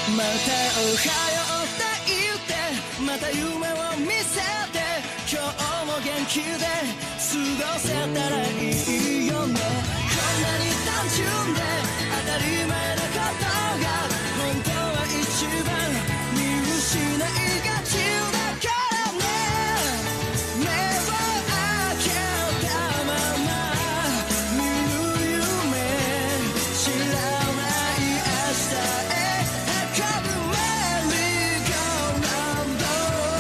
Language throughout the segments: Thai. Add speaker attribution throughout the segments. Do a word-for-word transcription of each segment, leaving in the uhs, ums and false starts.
Speaker 1: またおはようって言ってまた夢を見せて今日も元気で過ごせたらいいよねこんなに単純で当たり前なことが本当は一番見失いがちだからね目を開けたまま見る夢知らない明日へ運ぶメリーゴーランド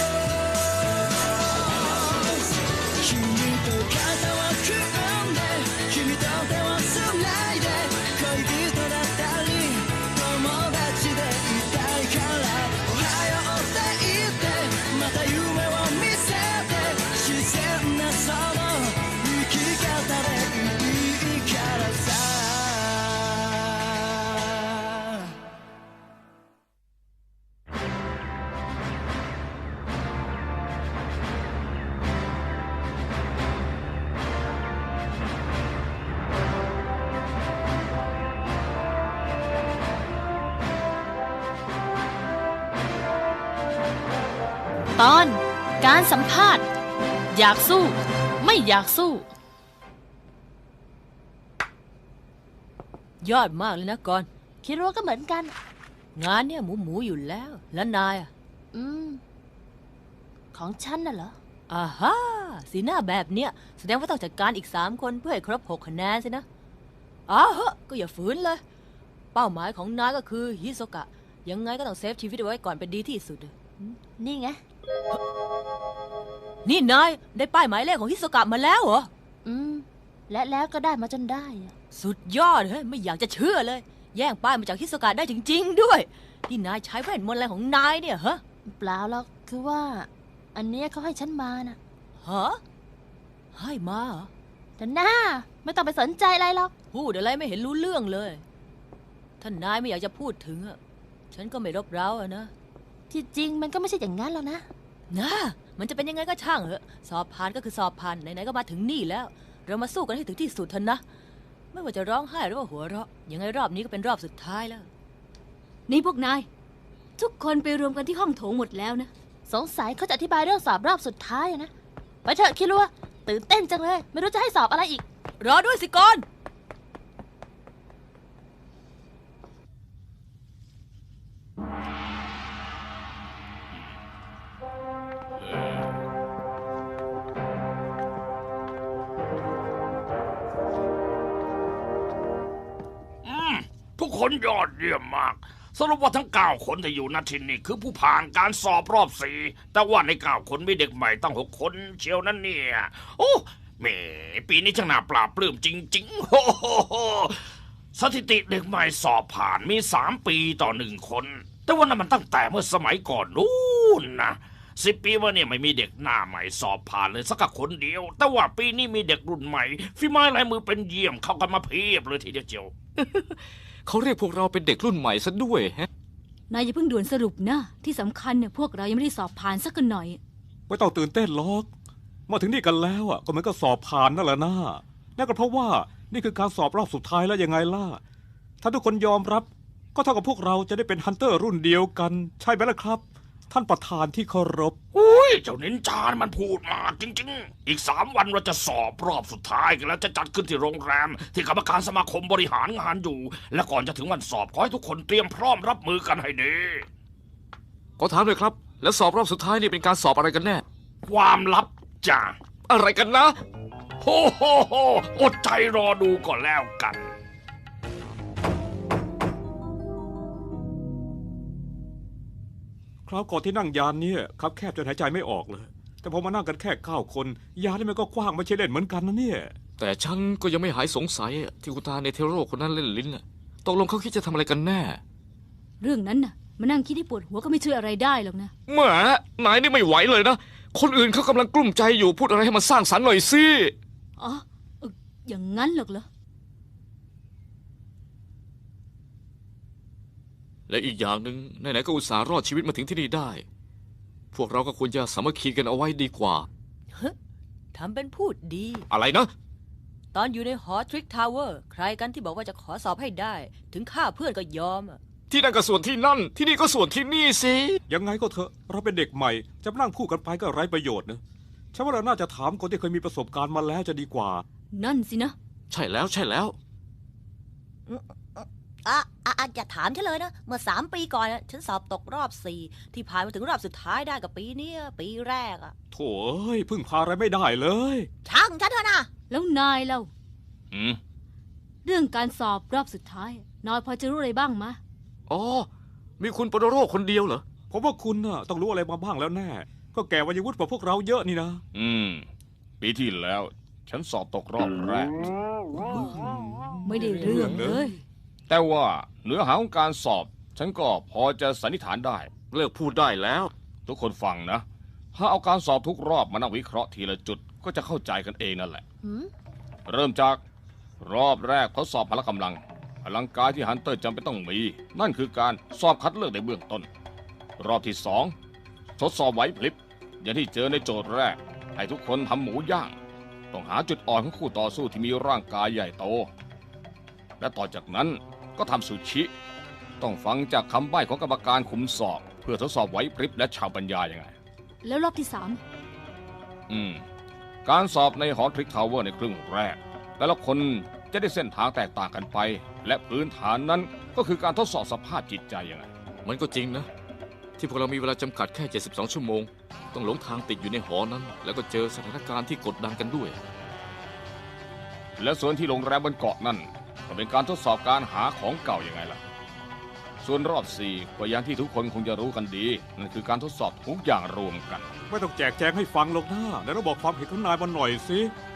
Speaker 1: 君と肩を組んで君と手をつないで恋人だったり友達でいたいからおはようって言ってまた夢を見せて自然なその生き方でいいからさ
Speaker 2: ตอนการสัมภาษณ์อยากสู้ไม่อยากสู้
Speaker 3: ยอดมากเลยนะก่อน
Speaker 2: คิดว่าก็เหมือนกัน
Speaker 3: งานเนี่ยหมูหมูอยู่แล้วแล้วนายอ่ะ
Speaker 2: อืมของฉันน่ะเหรอ
Speaker 3: อ่าฮ่าสีหน้าแบบเนี้ยแสดงว่าต้องจัดการอีกสามคนเพื่อให้ครบหกคะแนนสินะอ้าวก็อย่าฝืนเลยเป้าหมายของนายก็คือฮิโซกะยังไงก็ต้องเซฟชีวิตไว้ก่อนเป็นดีที่สุด
Speaker 2: นี่ไง
Speaker 3: นี่นายได้ป้ายหมายเลขของฮิโซกะมาแล้วเหรอ
Speaker 2: อืมและแล้วก็ได้มาจนได้
Speaker 3: สุดยอดเฮ้ยไม่อยากจะเชื่อเลยแย่งป้ายมาจากฮิโซกะได้จริงๆด้วยนี่นายใช้เวทมนต์อะไรของนายเนี่ยฮะ
Speaker 2: เปล่าหรอกคือว่าอันเนี้ยเขาให้ฉันมานะ
Speaker 3: ฮะให้มาเหรอ
Speaker 2: แต่หน้าไม่ต้องไปสนใจอะไรหรอก
Speaker 3: พูดอะไรไม่เห็นรู้เรื่องเลยท่านนายไม่อยากจะพูดถึงอ่ะฉันก็ไม่รบเร้าอะนะ
Speaker 2: ที่จริงมันก็ไม่ใช่อย่างนั้นหรอกนะ
Speaker 3: นะมันจะเป็นยังไงก็ช่างเหอะสอบผ่านก็คือสอบผ่านไหนๆก็มาถึงนี่แล้วเรามาสู้กันให้ถึงที่สุดเถอะนะไม่ว่าจะร้องไห้หรือว่าหัวเราะยังไงรอบนี้ก็เป็นรอบสุดท้ายแล้ว
Speaker 4: นี่พวกนายทุกคนไปรวมกันที่ห้องโถงหมดแล้วนะ
Speaker 2: สงสัยเขาจะอธิบายเรื่องสอบรอบสุดท้ายนะไปเถอะคิดว่าตื่นเต้นจังเลยไม่รู้จะให้สอบอะไรอีก
Speaker 3: รอด้วยสิก่อน
Speaker 5: ทุกคนยอดเยี่ยมมากสรุปว่าทั้งเก้าคนที่อยู่ณที่นี่คือผู้ผ่านการสอบรอบสี่แต่ว่าในเก้าคนมีเด็กใหม่ตั้งหกคนเชียวนั่นเนี่ยโอ้แหมปีนี้ช่างน่าปราบปลื้มจริงๆโอ้โหสถิติเด็กใหม่สอบผ่านมีสามปีต่อหนึ่งคนแต่ว่านั้นมันตั้งแต่เมื่อสมัยก่อนนู้นนะสิบปีมาเนี่ยไม่มีเด็กหน้าใหม่สอบผ่านเลยสักคนเดียวแต่ว่าปีนี้มีเด็กรุ่นใหม่ฝีไม้ลายมือเป็นเยี่ยมเข้ากันมาเพียบเลยทีเดียวเจียว
Speaker 6: เขาเรียกพวกเราเป็นเด็กรุ่นใหม่ซะด้วยฮะ
Speaker 4: นายอย่าเพิ่งด่วนสรุปนะที่สำคัญเนี่ยพวกเรายังไม่ได้สอบผ่านสักหน่อย
Speaker 7: ไม่ต้องตื่นเต้นหรอกมาถึงนี่กันแล้วอ่ะก็มันก็สอบผ่านนั่นแหละนะนั่นก็เพราะว่านี่คือการสอบรอบสุดท้ายแล้วยังไงล่ะถ้าทุกคนยอมรับก็เท่ากับพวกเราจะได้เป็นฮันเตอร์รุ่นเดียวกันใช่ไหมล่ะครับท่านประธานที่เคารพ
Speaker 5: อุ้ยเจ้านินจามันพูดมาจริงๆอีกสามวันเราจะสอบรอบสุดท้ายกันแล้วจะจัดขึ้นที่โรงแรมที่กรรมการสมาคมบริหารงานอยู่และก่อนจะถึงวันสอบขอให้ทุกคนเตรียมพร้อมรับมือกันให้ดี
Speaker 6: ขอถามเลยครับแล้วสอบรอบสุดท้ายนี่เป็นการสอบอะไรกันแน่
Speaker 5: ความลับจ้ะ
Speaker 6: อะไรกันนะ
Speaker 5: โฮโฮโฮอดใจรอดูก่อนแล้วกัน
Speaker 7: คราวก่อนที่นั่งยานเนี่ยครับแคบจนหายใจไม่ออกเลยแต่พอมานั่งกันแค่เก้าคนยานนี่มันก็กว้างไม่ใช่เล่นเหมือนกันนะเนี่ย
Speaker 6: แต่ฉันก็ยังไม่หายสงสัยที่คุณตาในเทโร่คนนั้นเล่นลิ้นน่ะตกลงเขาคิดจะทำอะไรกันแน่
Speaker 4: เรื่องนั้นน่ะมานั่งคิดที่ปวดหัวก็ไม่ช่วยอะไรได้หรอกนะ
Speaker 6: แหมนายนี่ไม่ไหวเลยนะคนอื่นเขากำลังกลุ้มใจอยู่พูดอะไรให้มันสร้างสรรค์หน่อยสิ
Speaker 4: อ๋ออย่างนั้นหรอกเหรอ
Speaker 6: และอีกอย่างหนึ่งไหนๆก็อุตส่าห์รอดชีวิตมาถึงที่นี่ได้พวกเราก็ควรจะสามัคคีกันเอาไว้ดีกว่า
Speaker 3: เฮ้ทำเป็นพูดดี
Speaker 6: อะไรนะ
Speaker 3: ตอนอยู่ในหอทริกทาวเวอร์ใครกันที่บอกว่าจะขอสอบให้ได้ถึงฆ่าเพื่อนก็ยอม
Speaker 6: ที่นั่นก็ส่วนที่นั่น ที่นี่ก็ส่วนที่นี่สิ
Speaker 7: ยังไงก็เถอะเราเป็นเด็กใหม่จะมานั่งพูดกันไปก็ไร้ประโยชน์นะฉันว่าเราน่าจะถามคนที่เคยมีประสบการณ์มาแล้วจะดีกว่า
Speaker 4: นั่นสินะ
Speaker 6: ใช่แล้วใช่แล้ว
Speaker 3: อ่ะอ่ะอ่ะอย่าถามฉันเลยนะ เมื่อสามปีก่อนอะฉันสอบตกรอบสี่ที่ผ่านมาถึงรอบสุดท้ายได้กับปีเนี้ยปีแรกอะ
Speaker 7: โถ่เอ้ยพึ่งพาอะไรไม่ได้เลย
Speaker 3: ช่างฉันเถอะนะ
Speaker 4: แล้วนายเล่า
Speaker 5: อืม
Speaker 4: เรื่องการสอบรอบสุดท้าย นายพอจะรู้อะไรบ้างมะ
Speaker 6: อ๋อ มีคุณปโดโรคนเดียวเหรอ
Speaker 7: ผมว่าคุณน่ะต้องรู้อะไรมาบ้างแล้วแน่ ก็แก่วัยวุฒิกว่าพวกเราเยอะนี่นะ
Speaker 5: อืม ปีที่แล้ว ฉันสอบตกรอบแรก
Speaker 4: ไม่ได้เรื่องเลย
Speaker 5: แต่ว่าเนื้อหาของการสอบ ฉันก็พอจะสันนิษฐานได้
Speaker 6: เลิกพูดได้แล้ว
Speaker 5: ทุกคนฟังนะ ถ้าเอาการสอบทุกรอบมานั่งวิเคราะห์ทีละจุดก็จะเข้าใจกันเองนั่นแหละ
Speaker 2: หืม
Speaker 5: เริ่มจากรอบแรกทดสอบพละกำลัง พลังกายที่ฮันเตอร์จำเป็นต้องมี นั่นคือการสอบคัดเลือกในเบื้องต้น รอบที่สองทดสอบไหวพลิบ อย่างที่เจอในโจทย์แรก ให้ทุกคนทำหมูย่าง ต้องหาจุดอ่อนของคู่ต่อสู้ที่มีร่างกายใหญ่โต และต่อจากนั้นก็ทำซูชิ ต้องฟังจากคำใบ้ของกรรมการคุมสอบ เพื่อทดสอบไหวพริบและชาวปัญญายังไง
Speaker 4: แล้วรอบที่สาม
Speaker 5: อืม การสอบในหอทริกทาวเวอร์ในครึ่งแรก แต่ละคนจะได้เส้นทางแตกต่างกันไป และพื้นฐานนั้นก็คือการทดสอบสภาพจิตใจยังไง
Speaker 6: มันก็จริงนะ ที่พวกเรามีเวลาจำกัดแค่ เจ็ดสิบสอง ชั่วโมง ต้องหลงทางติดอยู่ในหอนั้น แล้วก็เจอสถานการณ์ที่กดดันกันด้วย
Speaker 5: และส่วนที่โรงแรมบนเกาะนั่นก็เป็นการทดสอบการหาของเก่ายังไงล่ะ ส่วนรอบสี่ก็อย่างที่ทุกคนคงจะรู้กันดี นั่นคือการทดสอบทุกอย่างรวมกัน
Speaker 7: ไม่ต้องแจกแจงให้ฟังหรอกนะแล้วเราบอกความเห็นของนายมาหน่อยสิ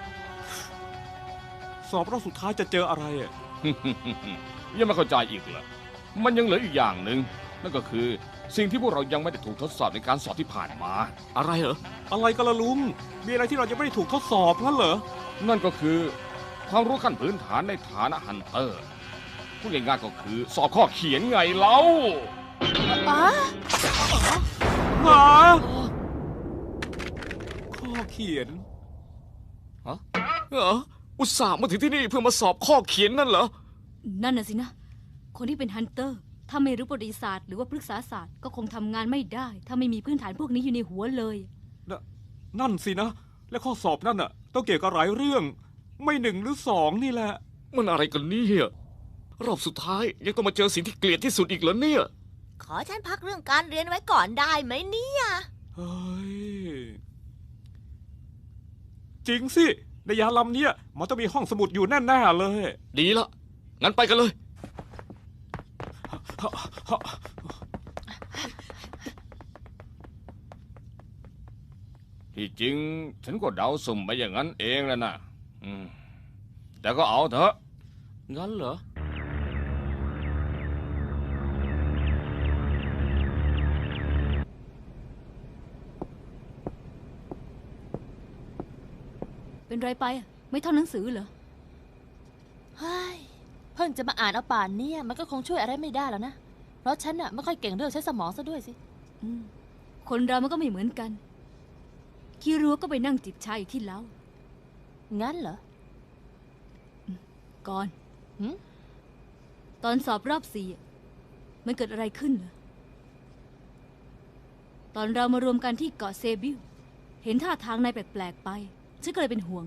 Speaker 7: สอบรอบสุดท้ายจะเจออะไรอะ
Speaker 5: ยังไม่เข้าใจอีกเหรอ มันยังเหลืออีกอย่างหนึ่งนั่นก็คือสิ่งที่พวกเรายังไม่ได้ถูกทดสอบในการสอบที่ผ่านมา
Speaker 6: อะไรเหรอ
Speaker 7: อะไรกันละลุง มีอะไรที่เรายังไม่ได้ถูกทดสอบงั้นเหรอ
Speaker 5: นั่นก็คือความรู้ขั้นพื้นฐานในฐานะฮันเตอร์พูดง่ายๆก็คือสอบข้อเขียนไงเล่า
Speaker 2: อ๋อ
Speaker 7: หาข้อเขียน
Speaker 6: เหรอ อุตส่าห์มาถึงที่นี่เพื่อมาสอบข้อเขียนนั่นเหรอ
Speaker 4: นั่นน่ะสินะ คนที่เป็นฮันเตอร์ ถ้าไม่รู้ประวัติศาสตร์หรือว่าพฤกษาศาสตร์ก็คงทำงานไม่ได้ ถ้าไม่มีพื้นฐานพวกนี้อยู่ในหัวเลย
Speaker 7: นนั่นสินะ และข้อสอบนั่นน่ะ ต้องเกี่ยวกับหลายเรื่อง ไม่หนึ่งหรือสองนี่แหละ
Speaker 6: มันอะไรกันเนี่ยรอบสุดท้ายยังต้องมาเจอสิ่งที่เกลียดที่สุดอีกเหรอเนี่ย
Speaker 3: ขอฉันพักเรื่องการเรียนไว้ก่อนได้ไหมเนี่ย
Speaker 7: เฮ้ย จริงสิ ในยานลำเนี้ยมันต้องมีห้องสมุดอยู่แน่ๆเลย
Speaker 6: ดีละ งั้นไปกันเลย
Speaker 5: ที่จริงฉันก็เดาสุ่มไปอย่างนั้นเองแหล้วนะอืมแต่ก็เอาเถอะ
Speaker 6: งั้นเหรอ
Speaker 4: เป็นไรไปอะไม่ท่องหนังสือเหรอ
Speaker 2: เฮ้ย เพิ่งจะมาอ่านเอาป่านเนี่ยมันก็คงช่วยอะไรไม่ได้แล้วนะ เพราะฉันน่ะไม่ค่อยเก่งเรื่องใช้สมองซะด้วยสิ
Speaker 4: อืมคนเรามันก็ไม่เหมือนกัน คิรัวก็ไปนั่งจิบชาอยู่ที่เล้า
Speaker 2: งั้นเหรอ
Speaker 4: ก่อน
Speaker 2: หืม
Speaker 4: ตอนสอบรอบสี่อะมันเกิดอะไรขึ้นเหรอตอนเรามารวมกันที่เกาะเซบิลเห็นท่าทางนายแปลกๆไป ฉันก็เลยเป็นห่วง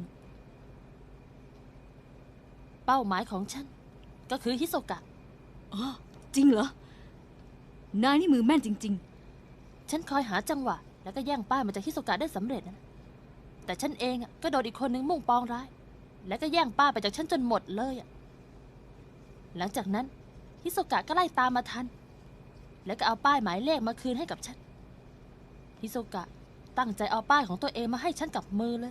Speaker 2: เป้าหมายของฉัน ก็คือฮิโซกะ
Speaker 4: อ๋อ จริงเหรอ นายนี่มือแม่นจริง
Speaker 2: ฉันคอยหาจังหวะ แล้วก็แย่งป้ายมาจากฮิโซกะได้สำเร็จนะแต่ฉันเองอะก็โดนอีกคนนึงมุ่งปองร้าย แล้วก็แย่งป้ายไปจากฉันจนหมดเลยอะหลังจากนั้นฮิโซกะก็ไล่ตามมาทัน แล้วก็เอาป้ายหมายเลขมาคืนให้กับฉันฮิโซกะตั้งใจเอาป้ายของตัวเองมาให้ฉันกับมือเลย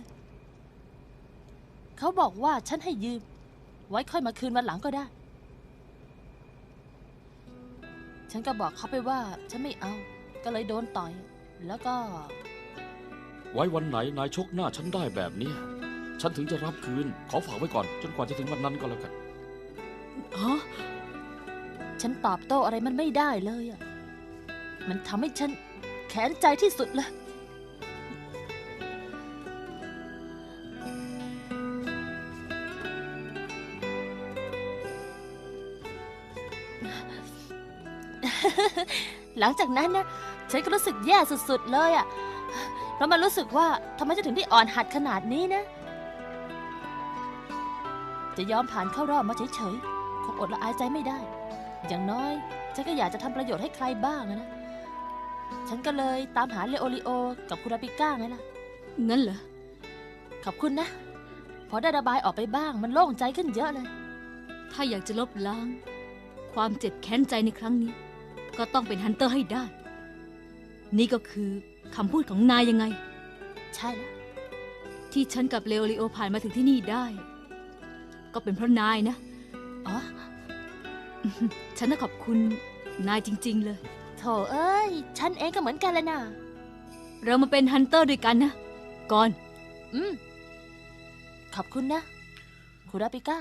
Speaker 2: เขาบอกว่าฉันให้ยืม ไว้ค่อยมาคืนวันหลังก็ได้ ฉันก็บอกเขาไปว่าฉันไม่เอา ก็เลยโดนต่อย แล้วก็
Speaker 8: ไว้วันไหนนายชกหน้าฉันได้แบบเนี้ยฉันถึงจะรับคืน ขอฝากไว้ก่อน จนกว่าจะถึงวันนั้นก็แล้วกัน
Speaker 4: ๆ อ๋อ
Speaker 2: ฉันตอบโต้อะไรมันไม่ได้เลยอ่ะ มันทำให้ฉันแค้นใจที่สุดเลยหลังจากนั้นนะฉันก็รู้สึกแย่สุดๆเลยอะเพราะมันรู้สึกว่าทำไมจะถึงได้อ่อนหัดขนาดนี้นะ จะยอมผ่านเข้ารอบมาเฉยๆคงอดละอายใจไม่ได้ อย่างน้อยฉันก็อยากจะทำประโยชน์ให้ใครบ้างอะนะ ฉันก็เลยตามหาเลโอริโอกับคุราปิก้าไงล่ะ
Speaker 4: งั้นเหรอ
Speaker 2: ขอบคุณนะ พอได้ระบายออกไปบ้างมันโล่งใจขึ้นเยอะเลย
Speaker 4: ถ้าอยากจะลบล้าง ความเจ็บแค้นใจในครั้งนี้ ก็ต้องเป็นฮันเตอร์ให้ได้ นี่ก็คือคำพูดของนายยังไง
Speaker 2: ใช่แล้ว
Speaker 4: ที่ฉันกับเลโอริโอผ่านมาถึงที่นี่ได้ ก็เป็นเพราะนายนะ
Speaker 2: อ๋อ
Speaker 4: ฉันต้องขอบคุณนายจริง ๆ เลย
Speaker 2: โถเอ้ย ฉันเองก็เหมือนกันเลยนะ
Speaker 4: เรามาเป็นฮันเตอร์ด้วยกันนะ ก่อน
Speaker 2: อืม ขอบคุณนะคุราปิก้า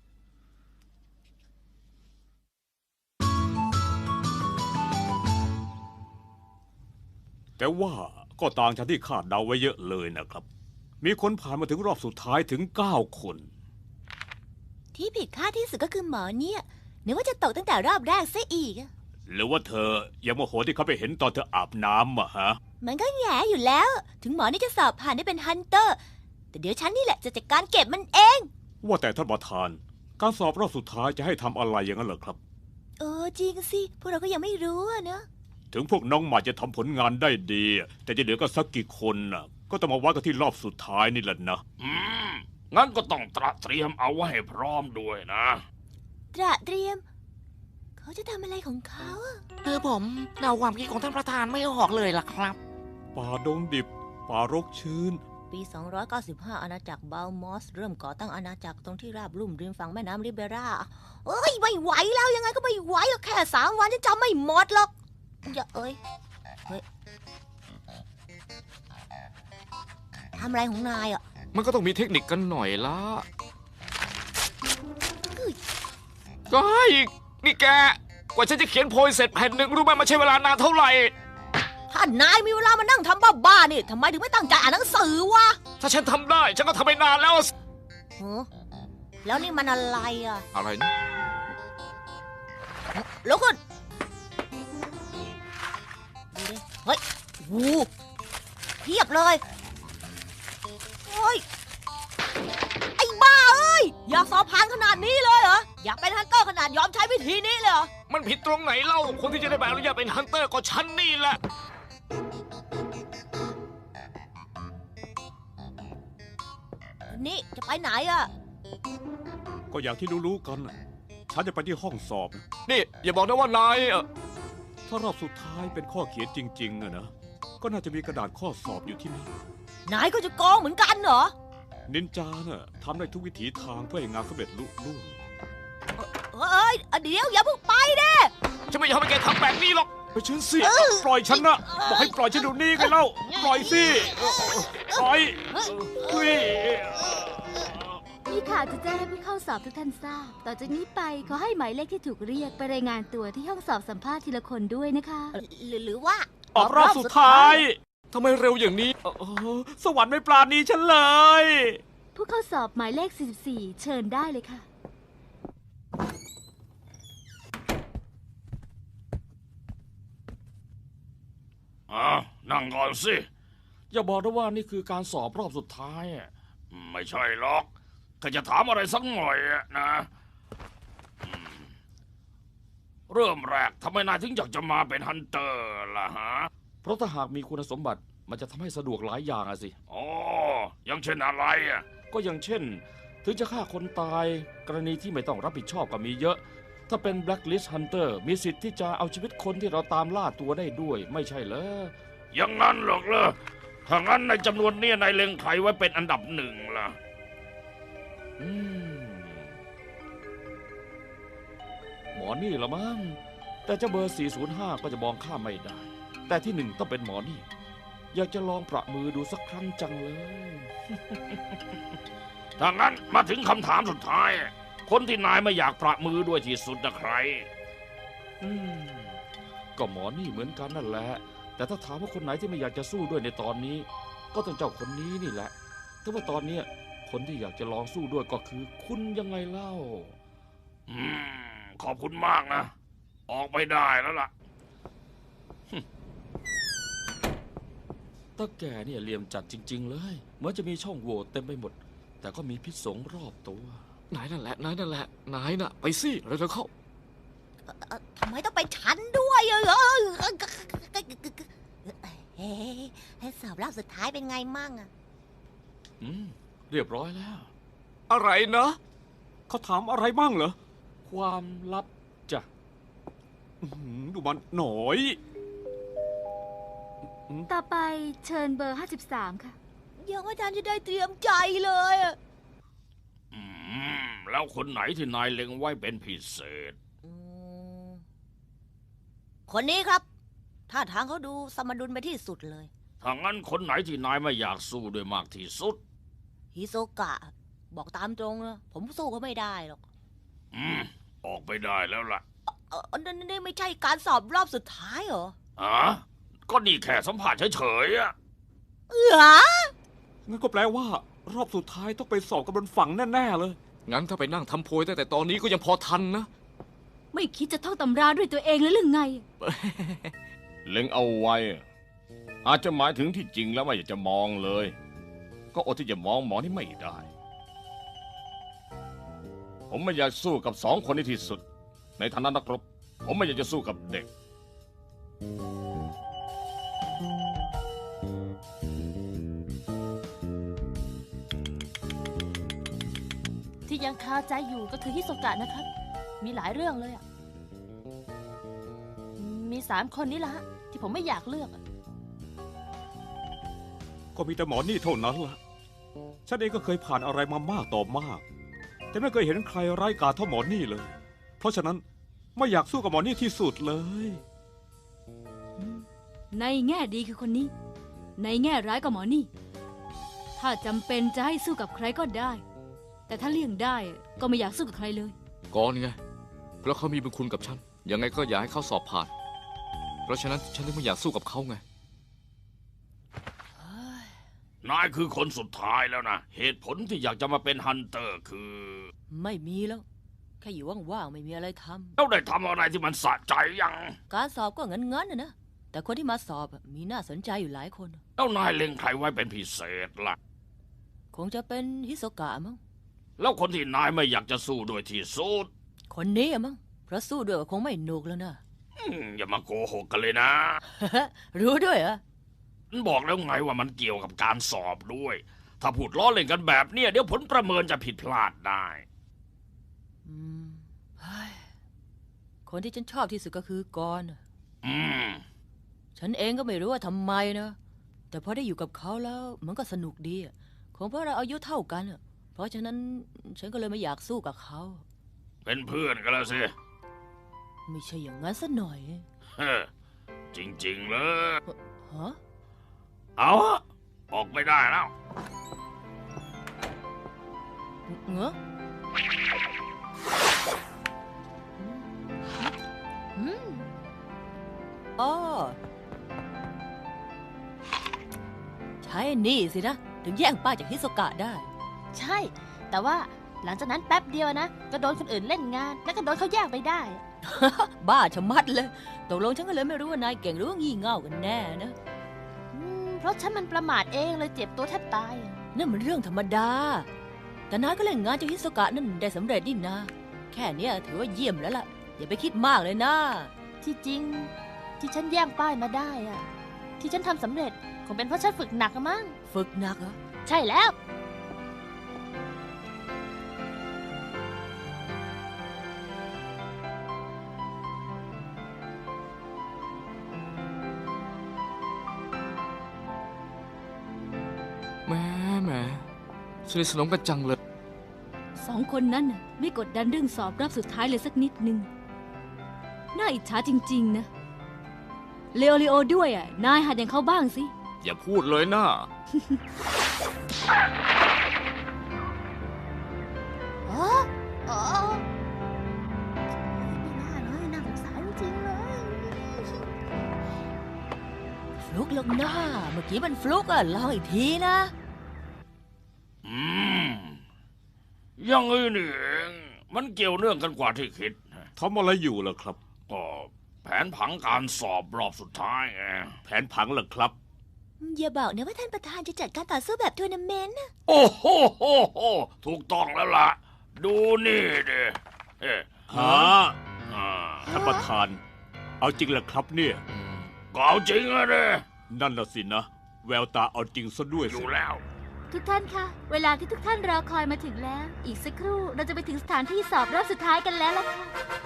Speaker 7: แต่ว่าก็ต่างจากที่คาดเดาไว้เยอะเลยนะครับ มีคนผ่านมาถึงรอบสุดท้ายถึงเก้าคน
Speaker 3: ที่ผิดคาดที่สุดก็คือหมอเนี่ยนึกว่าจะตกตั้งแต่รอบแรกซะอีกอะ
Speaker 7: หรือว่าเธอยังโมโหที่เขาไปเห็นตอนเธออาบน้ำอะฮะ
Speaker 3: มันก็แง่อยู่แล้ว ถึงหมอนี่จะสอบผ่านได้เป็นฮันเตอร์ แต่เดี๋ยวฉันนี่แหละจะจัดการเก็บมันเอง
Speaker 7: ว่าแต่ท่านประธาน การสอบรอบสุดท้ายจะให้ทำอะไรอย่างนั้นเหรอครับ
Speaker 3: เออจริงสิ พวกเราก็ยังไม่รู้อะนะ
Speaker 7: ถึงพวกน้องใหม่จะทำผลงานได้ดี แต่จะเหลือก็สักกี่คนน่ะ ก็ต้องมาวัดกันที่รอบสุดท้ายนี่แหละนะ
Speaker 5: อืม งั้นก็ต้องตระเตรียมเอาไว้ให้พร้อมด้วยนะ
Speaker 3: ตระเตรียม เขาจะทำอะไรของเขาอะ
Speaker 9: คือผมเดาความคิดของท่านประธานไม่ออกเลยล่ะครับ
Speaker 7: ป่าดงดิบ ป่ารกชื้น
Speaker 3: ปี สองร้อยเก้าสิบห้า อาณาจักรบาลมอส เริ่มก่อตั้งอาณาจักรตรงที่ราบลุ่มริมฝั่งแม่น้ำริเบราเอ้ยไม่ไหวแล้วยังไงก็ไม่ไหวหรอกแค่สามวันฉันจำไม่หมดหรอกอย่าเอ้ยเฮ้ยทำอะไรของนายอ่ะ
Speaker 6: มันก็ต้องมีเทคนิคกันหน่อยละ
Speaker 3: เฮ้ย
Speaker 6: ก็ให้นี่แก กว่าฉันจะเขียนโพยเสร็จแผ่นหนึ่งรู้ไหมมันใช้เวลานานเท่าไหร่
Speaker 3: ถ้านายมีเวลามานั่งทำบ้าๆนี่ทำไมถึงไม่ตั้งใจอ่านหนังสือวะ
Speaker 6: ถ้าฉันทำได้ ฉันก็ทำไปนานแล้ว
Speaker 3: ฮะแล้วนี่มันอะไรอ่ะ
Speaker 6: อะไรนะ
Speaker 3: ลุกขึ้นดูดิเฮ้ยโอ้โหเพียบเลยเฮ้ย ไอ้บ้าเอ้ย อยากสอบผ่านขนาดนี้เลยเหรอ อยากเป็นฮันเตอร์ขนาดยอมใช้วิธีนี้เลยเหรอ
Speaker 6: มันผิดตรงไหนเล่า คนที่จะได้ใบอนุญาตเป็นฮันเตอร์ก็ฉันนี่แหละ
Speaker 3: นี่จะไปไหนอ่ะ
Speaker 7: ก็อย่างที่รู้ๆกันน่ะฉันจะไปที่ห้องสอบนะ
Speaker 6: นี่ อย่าบอกนะว่านายเอ่อ
Speaker 7: ถ้ารอบสุดท้ายเป็นข้อเขียนจริงๆอะนะ ก็น่าจะมีกระดาษข้อสอบอยู่ที่นี่
Speaker 3: นายก็จะโกงเหมือนกันเหรอ
Speaker 7: นินจาน่ะทำได้ทุกวิถีทางเพื่อให้งานสำเร็จลุล่วง
Speaker 3: เอ้ย เดี๋ยวอย่าเพิ่งไปเด้
Speaker 6: ฉันไม่ยอมให้แกทำแบบนี้หรอก
Speaker 7: ไปฉันสิปล่อยฉันนะบอกให้ปล่อยฉันเดี๋ยวนี้กันแล้วปล่อยสิปล่อยเฮ้ย
Speaker 10: มีข่าวจะแจ้งให้ผู้เข้าสอบทุกท่านทราบ ต่อจากนี้ไปขอให้หมายเลขที่ถูกเรียกไปรายงานตัวที่ห้องสอบสัมภาษณ์ทีละคนด้วยนะคะ
Speaker 3: หรือหรือว่า
Speaker 7: ออกรอบสุดท้าย
Speaker 6: ทำไมเร็วอย่างนี้
Speaker 7: เออสวรรค์ไม่ปราณีฉันเลย
Speaker 10: ผู้เข้าสอบหมายเลข สี่สิบสี่ เชิญได้เลยค่ะ
Speaker 5: อ่านั่งก่อนสิ
Speaker 8: อย่าบอกนะว่านี่คือการสอบรอบสุดท้ายอะ
Speaker 5: ไม่ใช่หรอกถ้าจะถามอะไรสักหน่อยอะนะอืมเริ่มแรกทำไมนายถึงอยากจะมาเป็นฮันเตอร์ล่ะฮะ
Speaker 8: เพราะถ้าหากมีคุณสมบัติมันจะทำให้สะดวกหลายอย่างอะสิ
Speaker 5: อ๋อยังเช่นอะไรอะ
Speaker 8: ก็อย่างเช่น ถึงจะฆ่าคนตาย กรณีที่ไม่ต้องรับผิดชอบก็มีเยอะ ถ้าเป็น Blacklist Hunter มีสิทธิ์ที่จะเอาชีวิตคนที่เราตามล่าตัวได้ด้วย ไม่ใช่เหรอ
Speaker 5: อย่างนั้นหรอกเหรอถ้างั้นในจำนวนเนี้นายเล็งใครไว้เป็นอันดับหนึ่งล่ะ
Speaker 8: อืมหมอนี่ละมั้งแต่เจ้าเบอร์ สี่ศูนย์ห้า ก็จะมองข้ามไม่ได้ แต่ที่หนึ่งต้องเป็นหมอนี่ อยากจะลองประมือดูสักครั้งจังเลย
Speaker 5: ถ้างั้นมาถึงคำถามสุดท้าย คนที่นายไม่อยากประมือด้วยที่สุดนะใคร
Speaker 8: อืมก็หมอนี่เหมือนกันนั่นแหละ แต่ถ้าถามว่าคนไหนที่ไม่อยากจะสู้ด้วยในตอนนี้ ก็ต้องเจ้าคนนี้นี่แหละแต่ว่าตอนเนี้ยคนที่อยากจะลองสู้ด้วยก็คือคุณยังไงเล่า
Speaker 5: อืม ขอบคุณมากนะ ออกไปได้แล้วล่ะ
Speaker 8: ตาแก่เนี่ยเหลี่ยมจัดจริง ๆ เลยเหมือนจะมีช่องโหว่เต็มไปหมด แต่ก็มีพิษสงรอบตัวน
Speaker 6: ายนั่นแหละนายนั่นแหละนายน่ะไปสิเร็วๆเข้า
Speaker 3: เอ่อเอ่อทำไมต้องเป็นฉันด้วยเออเออเออเฮ้สอบรอบสุดท้ายเป็นไงมั่งอะ
Speaker 8: อืมเรียบร้อยแล้ว
Speaker 7: อะไรนะเขาถามอะไรบ้างเหรอ
Speaker 8: ความลับจ้ะ
Speaker 7: อื้อหือดูมันหน่อย
Speaker 10: ต่อไปเชิญเบอร์ห้าสิบสามค่ะ
Speaker 3: ยังไม่ทันจะได้เตรียมใจเลยอะ
Speaker 5: อืม แล้วคนไหนที่นายเล็งไว้เป็นพิเศษ
Speaker 3: อืมคนนี้ครับท่าทางเขาดูสมดุลไปที่สุดเลย
Speaker 5: ถ้างั้นคนไหนที่นายไม่อยากสู้ด้วยมากที่สุด
Speaker 3: ฮิโซกะ บอกตามตรงนะผมสู้เขาไม่ได้หรอก
Speaker 5: อืม ออกไปได้แล้วล่ะ
Speaker 3: เออนั่นนี่ไม่ใช่การสอบรอบสุดท้ายเหรอ
Speaker 5: อ๋อก็นี่แค่สัมผัสเฉยๆอะ
Speaker 3: เออ
Speaker 7: งั้นก็แปลว่า รอบสุดท้ายต้องไปสอบกันบนฝั่งแน่ๆเลย
Speaker 6: งั้นถ้าไปนั่งทำโพยตั้งแต่ตอนนี้ก็ยังพอทันนะ
Speaker 4: ไม่คิดจะท่องตำราด้วยตัวเองแล้วหรือไง
Speaker 11: เล็งเอาไว้ อาจจะหมายถึงที่จริงแล้วไม่อยากจะมองเลย ก็อดที่จะมองหมอนี่ไม่ได้ ผมไม่อยากสู้กับสองคนนี้ที่สุด ในฐานะนักรบ ผมไม่อยากจะสู้กับเด็ก
Speaker 2: ที่ยังคาใจอยู่ก็คือฮิโซกะนะครับ มีหลายเรื่องเลยอ่ะ มีสามคนนี้ละฮะที่ผมไม่อยากเลือกอะ
Speaker 7: ก็มีแต่หมอนี่เท่านั้นล่ะ ฉันเองก็เคยผ่านอะไรมามากต่อมาก แต่ไม่เคยเห็นใครไร้กาจเท่าหมอนี่เลย เพราะฉะนั้นไม่อยากสู้กับหมอนี่ที่สุดเลย
Speaker 4: ในแง่ดีคือคนนี้ ในแง่ร้ายก็หมอนี่ ถ้าจำเป็นจะให้สู้กับใครก็ได้ แต่ถ้าเลี่ยงได้ก็ไม่อยากสู้กับใครเลย
Speaker 6: ก่อนไง เพราะเขามีบุญคุณกับฉัน ยังไงก็อยากให้เขาสอบผ่าน เพราะฉะนั้นฉันถึงไม่อยากสู้กับเขาไง
Speaker 5: นายคือคนสุดท้ายแล้วนะ เหตุผลที่อยากจะมาเป็นฮันเตอร์คือ
Speaker 3: ไม่มีแล้ว แค่อยู่ว่างๆไม่มีอะไรท
Speaker 5: แล้วได้ทำอะไรที่มันสะใจยัง
Speaker 3: ำการสอบก็งั้นๆนะนะ แต่คนที่มาสอบอะมีน่าสนใจอยู่หลายคน
Speaker 5: แล้วนายเล็งใครไว้เป็นพิเศษล่ะ
Speaker 3: คงจะเป็นฮิโซกะมั้ง
Speaker 5: แล้วคนที่นายไม่อยากจะสู้ด้วยที่สุด
Speaker 3: คนนี้อะมั้ง เพราะสู้ด้วยก็คงไม่หนุกแล้วนะ
Speaker 5: อืมอย่ามาโกหกกันเลยนะ
Speaker 3: รู้ด้วยเหรอ
Speaker 5: บอกแล้วไงว่ามันเกี่ยวกับการสอบด้วย ถ้าพูดล้อเล่นกันแบบเนี้ยเดี๋ยวผลประเมินจะผิดพลาดได้
Speaker 3: อืมเฮ้ยคนที่ฉันชอบที่สุดก็คือกรณ์อะ
Speaker 5: อืม
Speaker 3: ฉันเองก็ไม่รู้ว่าทำไมนะ แต่พอได้อยู่กับเขาแล้วมันก็สนุกดีอะคงเพราะเราอายุเท่ากันอะเพราะฉะนั้นฉันก็เลยไม่อยากสู้กับเขา
Speaker 5: เป็นเพื่อนกันแล้วสิ
Speaker 3: ไม่ใช่อย่างนั้นซะหน่อย
Speaker 5: เฮ้อจริงๆเลย
Speaker 3: ฮะ
Speaker 5: เอาอะออกไม่ได้แล้ว
Speaker 3: เงอะ
Speaker 2: อืม
Speaker 3: อ๋อใช่นี่สินะ ถึงแย่งป้าจากฮิโซกะได้
Speaker 2: ใช่ แต่ว่าหลังจากนั้นแป๊บเดียวนะ ก็โดนคนอื่นเล่นงาน แล้วก็โดนเขาแย่งไปได้
Speaker 3: บ้าชะมัดเลยตกลงฉันก็เลยไม่รู้ว่านายเก่งหรือว่างี่เง่ากันแน่นะ
Speaker 2: อืม เพราะฉันมันประมาทเองเลยเจ็บตัวแทบตายอะ
Speaker 3: นั่นมันเรื่องธรรมดา แต่นายก็เล่นงานจากฮิโซกะนั่นได้สำเร็จนี่นา แค่เนี้ยถือว่าเยี่ยมแล้วล่ะ อย่าไปคิดมากเลยนะ
Speaker 2: ที่จริง ที่ฉันแย่งป้ายมาได้อะที่ฉันทำสำเร็จคงเป็นเพราะฉันฝึกหนักอะมั้ง
Speaker 3: ฝึกหนักเหรอ
Speaker 2: ใช่แล้ว
Speaker 6: แหม่แหม่สนิทสนมกันจังเลย
Speaker 4: สองคนนั้นน่ะไม่กดดันเรื่องสอบรอบสุดท้ายเลยสักนิดนึง น่าอิจฉาจริงๆนะ เลโอเลโอด้วยอ่ะ นายหัดอย่างเขาบ้างสิ
Speaker 6: อย่าพูดเลยนะ
Speaker 10: อ๋ออ๋อไม่น่าเลยน่าสงสารจริงๆเลย
Speaker 3: ฟลุกลงหน้า เมื่อกี้มันฟลุกอะลองอีกทีนะ
Speaker 5: อืมอยังงี้นี่เอง มันเกี่ยวเนื่องกันกว่าที่คิด
Speaker 7: ทำอะไรอยู่ล่ะครับ
Speaker 5: ก็แผนผังการสอบรอบสุดท้ายไง
Speaker 7: แผนผังเหรอครับ
Speaker 3: อย่าบอกนะว่าท่านประธานจะจัดการต่อสู้แบบทัวร์นาเมนต์
Speaker 5: โอ้โหโหโหถูกต้องแล้วล่ะ ดูนี่ดิเอ๊ะ
Speaker 7: ฮะ
Speaker 5: อ่า
Speaker 7: ท่านประธาน เอาจริงเหรอครับเนี่ย
Speaker 5: ก็เอาจริงอะเนี่ย
Speaker 7: นั่นน่ะสินะ แววตาเอาจริงซะด้วย
Speaker 5: อ
Speaker 7: สิ
Speaker 5: ยู่แล้ว
Speaker 10: ทุกท่านคะ เวลาที่ทุกท่านรอคอยมาถึงแล้ว อีกสักครู่เราจะไปถึงสถานที่สอบรอบสุดท้ายกันแล้วล่ะค่ะ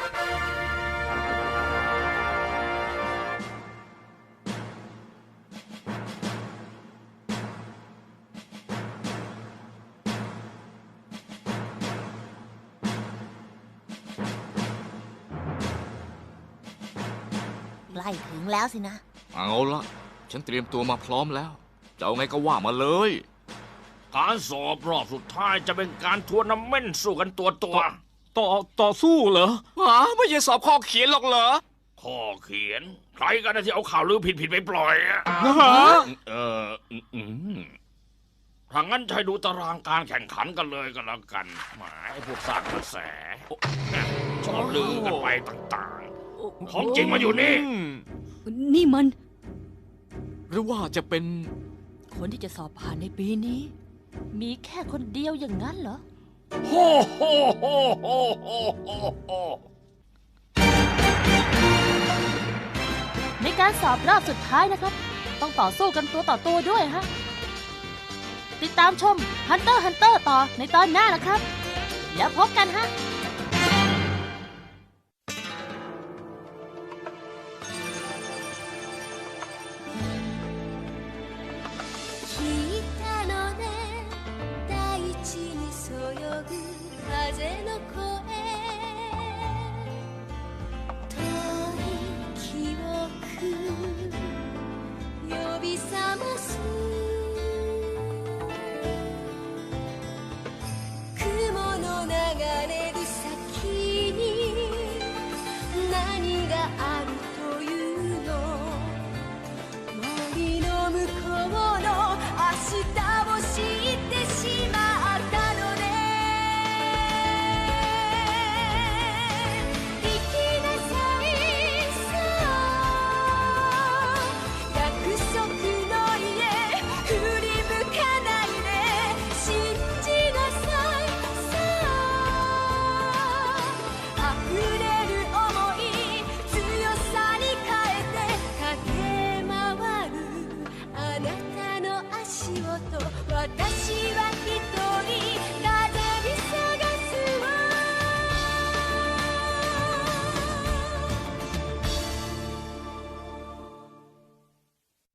Speaker 3: ใกล้ถึงแล้วสินะ
Speaker 6: เอาละฉันเตรียมตัวมาพร้อมแล้ว จะเอาไงก็ว่ามาเลย
Speaker 5: การสอบรอบสุดท้ายจะเป็นการทัวร์นาเมนต์สู้กันตัวตัว
Speaker 7: ต่อต่อสู้เหรอ
Speaker 6: หาไม่ใช่สอบข้อเขียนหรอกเหรอ
Speaker 5: ข้อเขียน ใครกันนะที่เอาข่าวลือผิดผิดๆไปปล่อยอะ
Speaker 11: เอออืมอืม
Speaker 5: ถ้างั้นจะให้ดูตารางการแข่งขันกันเลยก็แล้วกันหมายพวกสร้างกระแสชอบลือกันไปต่างๆ ของจริงมาอยู่นี่
Speaker 4: นี่มัน
Speaker 6: หรือว่าจะเป็น
Speaker 3: คนที่จะสอบผ่านในปีนี้
Speaker 2: มีแค่คนเดียวอย่างนั้นเหรอ
Speaker 5: โฮโฮโฮโฮโฮโฮโฮ
Speaker 2: ในการสอบรอบสุดท้ายนะครับ ต้องต่อสู้กันตัวต่อตัวด้วยฮะ ติดตามชม Hunter x Hunter ต่อในตอนหน้านะครับ แล้วพบกันฮะ